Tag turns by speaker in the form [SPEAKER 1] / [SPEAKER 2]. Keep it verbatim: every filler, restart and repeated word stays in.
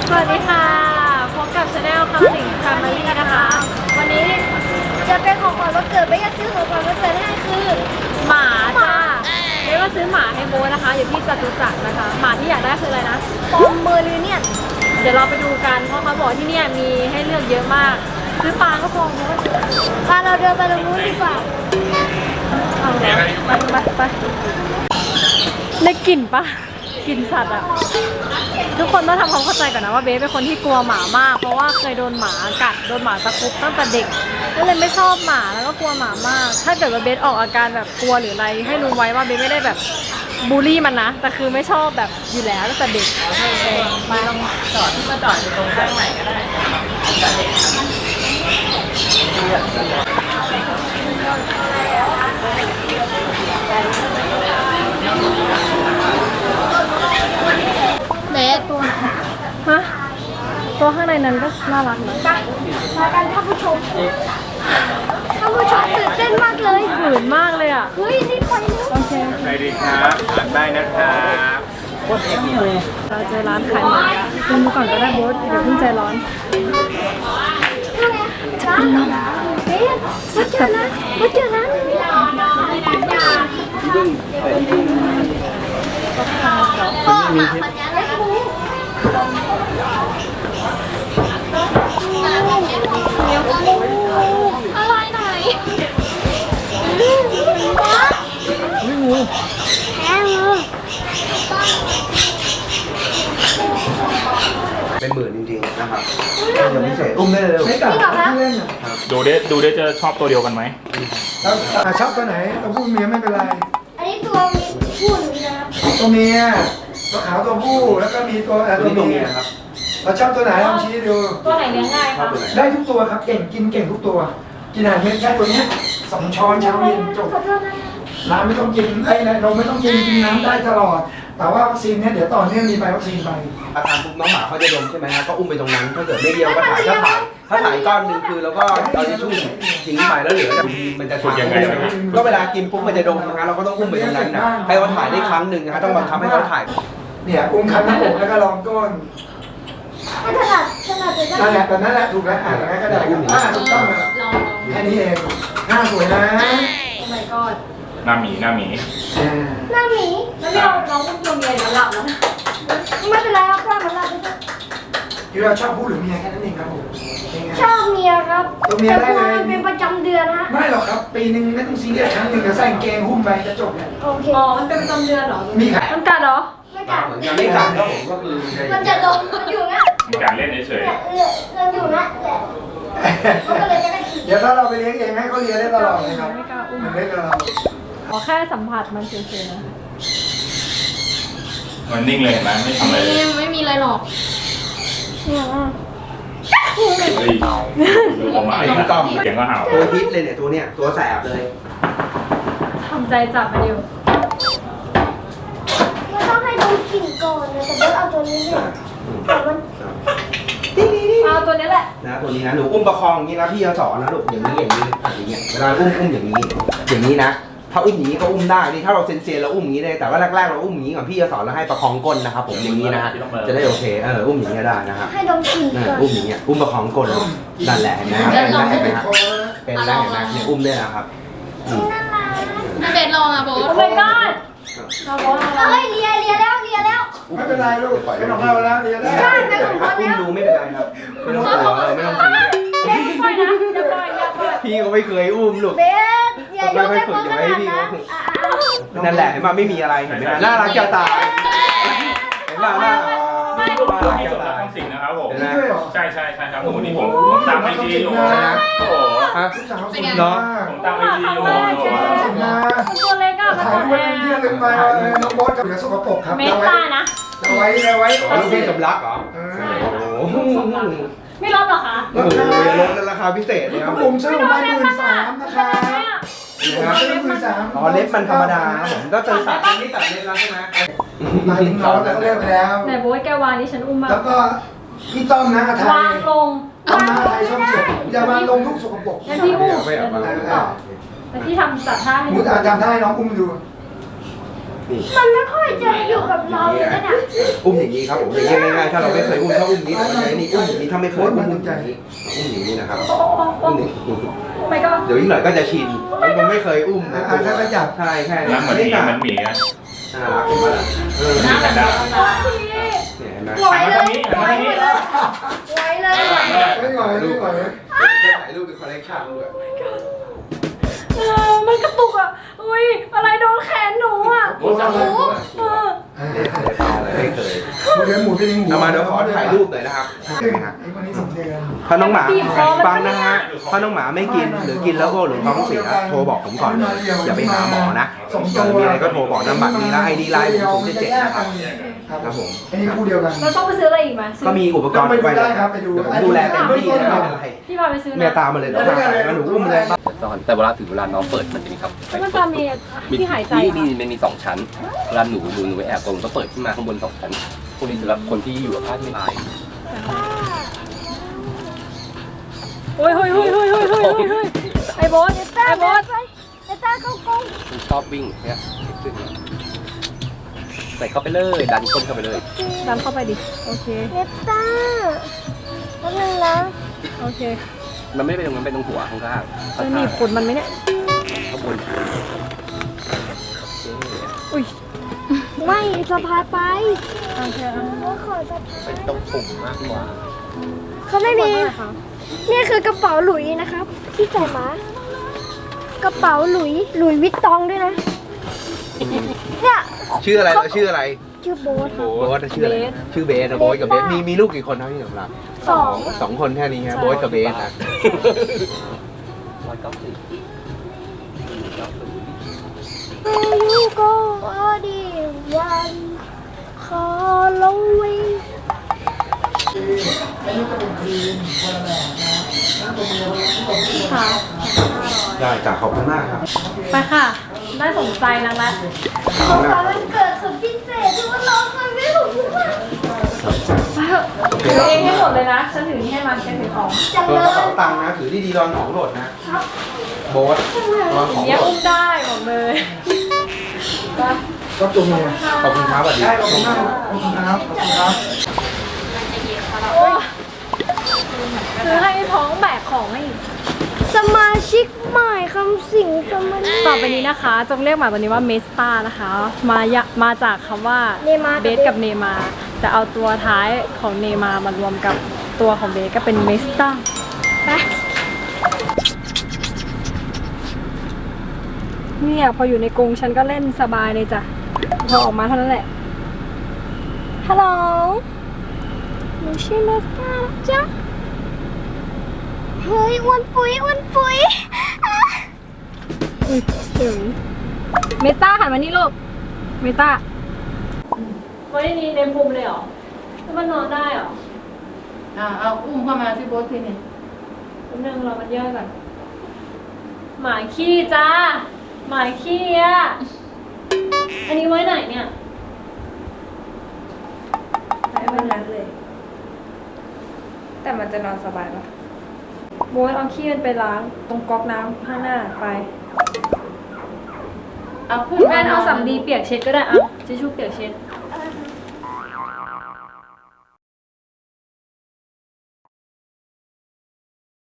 [SPEAKER 1] สวัสดีค่ะพบกับชาแนลคำสิงแฟมิลี่นะคะ วันนี้จะเป็นของขวัญวันเกิดไม่อยากซื้อของขวัญวันเกิดให้คือหมาจ้าไม่ว่าซื้อหมาให้โบนะคะอยู่ที่จตุจักรนะคะหมาที่อยากได้คืออะไรนะปอมเมอริเนียนเดี๋ยวเราไปดูกันเพราะเขาบอกที่นี่มีให้เลือกเยอะมากซื้อปลาก็พอโบพาเราเดินไปตรงนู้นดีกว่าเอาไปไปไปได้กลิ่นปะกลิ่นสัตว์อะทุกคนต้องทำความเข้าใจก่อนนะว่าเบสเป็นคนที่กลัวหมามากเพราะว่าเคยโดนหมากัดโดนหมาตะคุบตั้งแต่เด็กก็เลยไม่ชอบหมาแล้วก็กลัวหมามากถ้าเกิดว่าเบสออกอาการแบบกลัวหรืออะไรให้รู้ไว้ว่าเบสไม่ได้แบบบูลลี่มันนะแต่คือไม่ชอบแบบอยู่แล้วตั้งแต่เด็กไปลองจอดที่มาจอดอยู่ตรงข้างไหนก็ได้เบสตัวฮะตัวข้างในนั้นก็น่ารักนะมากันท่านผู้ชมท่านผู้ชมตื่นเต้นมากเลยฝืนมากเลยอ่ะเฮ้ยนี่ไปแล้วโอเค
[SPEAKER 2] สวัสดีครับอ่านได้นะครับโคตรเอ็กซ์เลย
[SPEAKER 1] เราเจอร้านขายหมากินดูก่อนก็ได้โบ๊ทเดี๋ยวเพิ่งใจร้อนจะกินนมเอ๊ะมาเจอนะมาเจอนะ
[SPEAKER 2] พ่อหมาปัญญาอะไรอะไรไหน
[SPEAKER 1] ไม่งู
[SPEAKER 2] แพ้งู
[SPEAKER 3] เป็นหมื่นจริงๆนะครับยังพิเศษอุ้มได้เลย
[SPEAKER 4] ไม่กลับที่เล่นอ่ะ
[SPEAKER 5] ดูเด้ดูเด้จะชอบตัวเดียวกันไหม
[SPEAKER 4] แล้วชอบตัวไหนตัวผู้เมียไม่เป็นไร
[SPEAKER 2] อันนี้ตัวผู้หรือนะครับ
[SPEAKER 4] ตัวเมียตัวขาวตัวผู้แล้วก็มีตัวตัวเมียครับเราชอบตัวไหนลองชี้ดู
[SPEAKER 1] ตัวไหนเลี้ยงง่ายคะ
[SPEAKER 4] ได้ทุกตัวครับเก่งกินเก่งทุกตัวกินอาหารเม็ดแค่ตัวนี้สองช้อนเช้าเย็นจบน้ำไม่ต้องกินไอ้นมไม่ต้องกินกินน้ำได้ตลอดแต่ว่าวัคซีนเนี่ยเดี๋ยวต่อเนื่องมีไปวัคซีนไป
[SPEAKER 3] อาทานปุ๊บน้องหมาเขาจะดมใช่ไหมฮะก็อุ้มไปตรงนั้นถ้าเกิดไม่เดียวก็ถ่ายถ้าถ่ายถ้าถ่ายก้อนนึงคือแล้วก็เอาทิชชู่ทิ้งไปแล้วเหลือมันจะถ่ายยังไงก็เวลากินปุ๊บมันจะดมนะฮะเราก็ต้องอุ้มไปตรงนั้นนะให้เขาถ่ายได้ครั้งหนึ่งนะฮะต้องบังคับให้เขาถ่าย
[SPEAKER 4] เนี่ยอุ้มคันหน้าอกแล้วก็ลองก้น
[SPEAKER 2] ไม่ถนัดถนัดเลย
[SPEAKER 4] นั่นแหละแต่นั่นแหละถูกแล้วอ่านอย่างนั้นก็ได้ครับอ่าถูกต้องแล้วแค่นี้เองหน้าสวยนะ
[SPEAKER 1] โอ้ my god
[SPEAKER 5] หน้าหมีหน้าหมี
[SPEAKER 2] หน้าหมี
[SPEAKER 1] แล้วไม่เอาน้องอุ้มตัวเมียแล้วหลับแล้วนะ
[SPEAKER 2] ไม่เป็นไรครับพ่อมันหลับได้
[SPEAKER 4] ยูเราชอบผู้หรือเมียแค่นั้นเองครับผม
[SPEAKER 2] ชอบเมียครับ
[SPEAKER 4] ตัวเมียได้เลย
[SPEAKER 2] เป็นประจำเดือนฮะ
[SPEAKER 4] ไม่หรอกครับปีนึงไม่ต้องซีเรียสครั้งหนึ่งจะใส่เกงหุ้มไปจะจบเลย
[SPEAKER 2] โอเค
[SPEAKER 1] อ๋อมันเป็นประจำเดือนเหรอ
[SPEAKER 4] มีค่ะ
[SPEAKER 1] มันกัดเหรอ
[SPEAKER 2] ไม่กัด
[SPEAKER 3] เหมือนกันไม่กัดครับผมก็คือ
[SPEAKER 2] มันจะดมมันอยู่นะ
[SPEAKER 5] การเล่นเฉย
[SPEAKER 2] ๆมันอยู่นะแหละมันก็เลยจะได้
[SPEAKER 4] เดี๋ยวถ้าเราไปเลี้ยงเองให้เขาเลี้ยงได้ตลอดเลยครับมันเล่นกับเรา
[SPEAKER 1] ขอแค่สัมผัสมันเฉยๆนะ
[SPEAKER 5] มันนิ่งเลยเห็นไหมไม่ทำอะไรเลย
[SPEAKER 1] ไม่มีอะไรหรอก
[SPEAKER 5] เฮ้ยดูออกมาอีกแล้วเสียงก็เห่า
[SPEAKER 3] ตัวฮิตเลยเนี่ยตัวเนี้ยตัวแสบเลย
[SPEAKER 1] ทำใจจับมันอยู่
[SPEAKER 2] มันต้องให้ดมกลิ่นก่อนนะแต่ว่าเอาตัวนี้เนี่ยแต่มัน
[SPEAKER 1] เอาตัวนี้แหละ
[SPEAKER 3] นะตัวนี้นะหนูอุ้มประคองอย่างนี้นะพี่จะสอนนะลูกอย่างนี้อย่างนี้อย่างเงี้ยเวลาอุ้มอุ้มอย่างนี้อย่างนี้นะถ้าอุ้มอย่างนี้ก็อุ้มได้นี่ถ้าเราเซนเซียเราอุ้มอย่างนี้ได้แต่ว่าแรกๆเราอุ้มอย่างนี้ก่อนพี่จะสอนแล้วให้ประคองก้นนะครับผมอย่างนี้นะฮะจะได้โอเคเอออุ้มอย่างนี้ได้นะครับ
[SPEAKER 2] ให้ดมกลิ่นก่อน
[SPEAKER 3] อุ้มอย่างเงี้ยอุ้มประคองก้นนั่นแหละเห็นไหมครับเป็นได้เห็นไหมครับเป็นได้เห็นไหมเนี่ยอุ้มได้นะครับ
[SPEAKER 2] น่ารัก
[SPEAKER 1] เบสลองอ่ะโบ๊ทโอ้ my god เราโบ๊ทเรา
[SPEAKER 2] เฮ้ยเลียเลียแล้วเลียแล้ว
[SPEAKER 4] ไม่เป็นไรลูกเป็นของเราแล้วเลียได้
[SPEAKER 2] ใช่เป็นของเขาแล้ว
[SPEAKER 3] อุ้มดูไม่เป็นไรครับไม่ต้องกลัวเลยไม่ต้องกลัวพี่ก็ไม่เคยอุ้มลูก
[SPEAKER 2] เบสอย่ายกให้พ่อขนาดนั้น
[SPEAKER 3] นั่นแหละเห็นไหมไม่มีอะไรเห็นไหมน่ารักจะตายเห็นไหมน่ารัก
[SPEAKER 5] ที่สุดแล้วต้องสิ่งนะครับผมใช่ใช่ใช่ครับผมวันนี้ผมผมตามไอจีอยู่นะโอ้โห
[SPEAKER 3] เนาะ
[SPEAKER 5] ผมตามไอจีอยู่
[SPEAKER 1] ตัวเล็กอะมัน
[SPEAKER 4] ถ่ายรูปเป็นที่ระลึกไปน้องโบ๊ทกับเหลือสกปรกครับ
[SPEAKER 1] เมสตานะ
[SPEAKER 4] เอาไว้เอาไว้
[SPEAKER 3] ลูกพี่สำลักเหรอโอ้โห
[SPEAKER 1] ไม่ลดหรอคะ
[SPEAKER 3] โอ้โหลดราคาพิเศษเลยครับ
[SPEAKER 4] ผมซื้อมาหมื่นสามนะคะ
[SPEAKER 3] อ๋อเล็บมันธรรมดาผมก็จะตัดนี่ตัดเล็บแล้วใช่ไหม
[SPEAKER 4] มาถึงน้องแล้วก็เลิกไปแล้ว
[SPEAKER 1] ไหนโบ๊ทแกวางนี่ฉันอุ้มมา
[SPEAKER 4] แล้วก็พี่ต้อมนะไทยว
[SPEAKER 1] างลง
[SPEAKER 4] ต้อมนะไทยช่องเจ็ดอย่าวางลงทุกสกปรก
[SPEAKER 1] แล้วพี่อุ้มแล้วพี่ทำจัดท่าให้
[SPEAKER 4] มุดอาจารย์ได้น้องอุ้มดู
[SPEAKER 3] นี่
[SPEAKER 2] มันไม่ค่อยจะอยู่กับเราเลยนะเนี่ย
[SPEAKER 3] อุ้มอย่างนี้ครับผมอย่างนี้ง่ายๆถ้าเราไม่เคยอุ้มถ้าอุ้มนี้เราใช้นี่อุ้มอย่างนี้ถ้าไม่เคยอุ้มอุ้มอย่างนี้อุ้มอย่างนี้นะครับอุ้มอย่างนี้
[SPEAKER 1] ไม่ก็
[SPEAKER 3] เดี๋ยวอีกหน่อยก็จะชินมันไม่เคยอุ้มนะ
[SPEAKER 4] อ่าค่อยๆจับ
[SPEAKER 3] ใช่แค่
[SPEAKER 5] น้ำเหมือนหมีเหมือนหมีนะ
[SPEAKER 3] น่ารักเห็นไหมล่ะเออ
[SPEAKER 5] หมีแพนด้า
[SPEAKER 3] เนี่ยเห็นไหม
[SPEAKER 1] ไหวเลยไหวเลยไหวเลยไหวเลย
[SPEAKER 4] ไม่ไหวไม่ไหว
[SPEAKER 3] จะถ่ายรูปเป็นคอลเลกชันด้วย
[SPEAKER 1] เออมันกระตุกอ่ะอุ้ยอะไรโดนแขนหนูอ่ะ
[SPEAKER 5] โอ้จังเลย
[SPEAKER 1] เออ
[SPEAKER 3] ไม่เคย
[SPEAKER 4] หมูเดือนหมูเป็นหมู
[SPEAKER 3] เอามาเดี๋ยวขอถ่ายรูปหน่อยนะครับ
[SPEAKER 4] ไอ้คนนี้สองเดือน
[SPEAKER 3] ถ้าน้องหมาฟังนะฮะถ้าน้องหมาไม่กินหรือกินแล้วก็หรือท้องเสียโทรบอกผมก่อนเลยอย่าไปหาหมอนะเออมีอะไรก็โทรบอกน้ำบัตรนี้แล้วไอดีไลน์ผมศูนย์เจ็ดเจ็ดนะครับครับผม
[SPEAKER 4] อันนี้คู่เดียวกัน
[SPEAKER 1] เราต้องไปซื้ออะไรอีกไหมซื้อ
[SPEAKER 3] ก็มีอุปกรณ์
[SPEAKER 4] ไปดู
[SPEAKER 3] ไป
[SPEAKER 4] ได้ครับไปดู
[SPEAKER 3] เดี๋ยวผมดูแลเต็มที่นะไม่เป็นไร
[SPEAKER 1] พี่พาไปซื้อ
[SPEAKER 3] เมีย
[SPEAKER 1] นะ
[SPEAKER 3] ตามมาเลยเดี๋ยวพาไปมาหนูอุ้มเลย
[SPEAKER 6] ซ่อนแต่เวลาถึงเวลาน้องเปิดมันจะมีครับ
[SPEAKER 1] แล้วมันจะมีที่หายใจ
[SPEAKER 6] มีมีมันมีสองชั้นเวลาหนูหนูหนูไปแอบตรงก็เปิดขึ้นมาข้างบนสองชั้นพวกนี้สำหรับคนที่อยู่กับผ้าที่ลาย
[SPEAKER 1] โอ้ยเฮ้ยเฮ้ยเฮ้ยเฮ้ยเฮ้ยเฮ้ยไอ้โบ๊ทไอ้โบ๊ท
[SPEAKER 2] เนต้าเข้ากล้อง
[SPEAKER 6] มันชอบวิ่งเนี่ยขึ้นใส่เข้าไปเลยดันก้นเข้าไปเลย
[SPEAKER 1] ดันเข้าไปดิโอเค
[SPEAKER 2] เนต้าแป๊บนึงนะ
[SPEAKER 1] โอเค
[SPEAKER 6] มันไม่ได้ไปตรงนั้นไปตรงหัวข้างล่าง
[SPEAKER 1] จะหนีบขนมันไหมเนี่ย
[SPEAKER 6] ข้างบน
[SPEAKER 1] อุ้ย
[SPEAKER 2] ไม่สะพายไป
[SPEAKER 1] โอเคเอา
[SPEAKER 2] ว่าขอสะพาย
[SPEAKER 6] เป็นตรงปุ่มมากกว่า
[SPEAKER 2] เขาไม่มี
[SPEAKER 1] ขอบคุณค่ะ
[SPEAKER 2] นี่คือกระเป๋าหลุยนะครับ ที่ใส่มากระเป๋าหลุยหลุยวิตตองด้วยนะเนี่ย
[SPEAKER 3] ชื่ออะไรเราชื่ออะไร
[SPEAKER 2] ชื่อโบ๊ท
[SPEAKER 3] โบ๊ทชื่ออะไรชื่อเบสนะโบ๊ทกับเบสมีมีลูกกี่คนครับพี่สำหรับ
[SPEAKER 2] สอง
[SPEAKER 3] สองคนแค่นี้ฮะโบ๊ทกับเบสนะ
[SPEAKER 6] ร้อยเก้าสิบ
[SPEAKER 2] ยูโกอดีวันคอลวิง
[SPEAKER 4] อันนี้ก็เป็นครีมคนละแบบนะแล้วตัวเมียตัวผู้
[SPEAKER 1] ค่ะ
[SPEAKER 3] ได้จ้ะขอบคุณมากครับ
[SPEAKER 1] ไปค่ะ ได้สนใจนักแล้ว
[SPEAKER 2] ของขวัญวันเกิดสุดพิเศษที่ว่าน้องเคยไม่ถูกทุกวัน
[SPEAKER 1] ไปเถอะถือเองให้หมดเลยนะ ฉันถือนี่ให้มันแค่ถือของ
[SPEAKER 2] จัง
[SPEAKER 3] ตัว
[SPEAKER 2] เล
[SPEAKER 3] กระ
[SPEAKER 2] ย
[SPEAKER 3] เป๋าตังค์นะถือที่ดีรอนของโหลดนะโบ๊ทรอนของ
[SPEAKER 1] เนี้ย
[SPEAKER 3] โหล
[SPEAKER 1] อุ้
[SPEAKER 3] ด
[SPEAKER 1] มได้บอกเลยไป
[SPEAKER 4] ก็ตัวเมีย
[SPEAKER 3] ขอบคุณครับสวัสดี
[SPEAKER 4] ได้ขอบคุณมากขอบคุณครับขอบคุณครับ
[SPEAKER 1] โอ้ซื้อให้ท้องแบกของให้อีก
[SPEAKER 2] สมาชิกใหม่คำสิงสมาชิก
[SPEAKER 1] ต่อไปนี้นะคะ จงเรียกหมาตัวนี้ว่าเมสตานะคะ มายะมาจากคำว่า
[SPEAKER 2] เนมา
[SPEAKER 1] เบสกับเนมา แต่เอาตัวท้ายของเนมามารวมกับตัวของเบสก็เป็นเมสตาไปเนี่ยพออยู่ในกรงฉันก็เล่นสบายเลยจ้ะพอออกมาเท่านั้นแหละ ฮัลโหลหนูชื่อเมสตานะจ๊ะ
[SPEAKER 2] เฮ้ยอ้วนปุ๋ยอ้วนปุ๋ยอ่ะ
[SPEAKER 1] อุ้ยถึงเมตาหันมานี่ลูก เมตาวันนี้เนมภูมิเลยเหรอแล้วมันนอนได้เหรอ
[SPEAKER 7] อ่าเอาอุ้มเข้ามาที่โบ๊ทที่นี่
[SPEAKER 1] แป๊บนึงรอมันย่อยก่อนหมาขี้จ้า หมาขี้อ่ะ อันนี้ไว้ไหนเนี่ยไว้บนนั้นเลย แต่มันจะนอนสบายปะโบ๊ทเอาขี้มันไปล้างตรงก๊อกน้ำข้างหน้าไป
[SPEAKER 7] เอาขึ้น
[SPEAKER 1] แม่เอาสำลีเปียกเช็ดก็ได้อ่ะทิชชู่เปียกเช็ด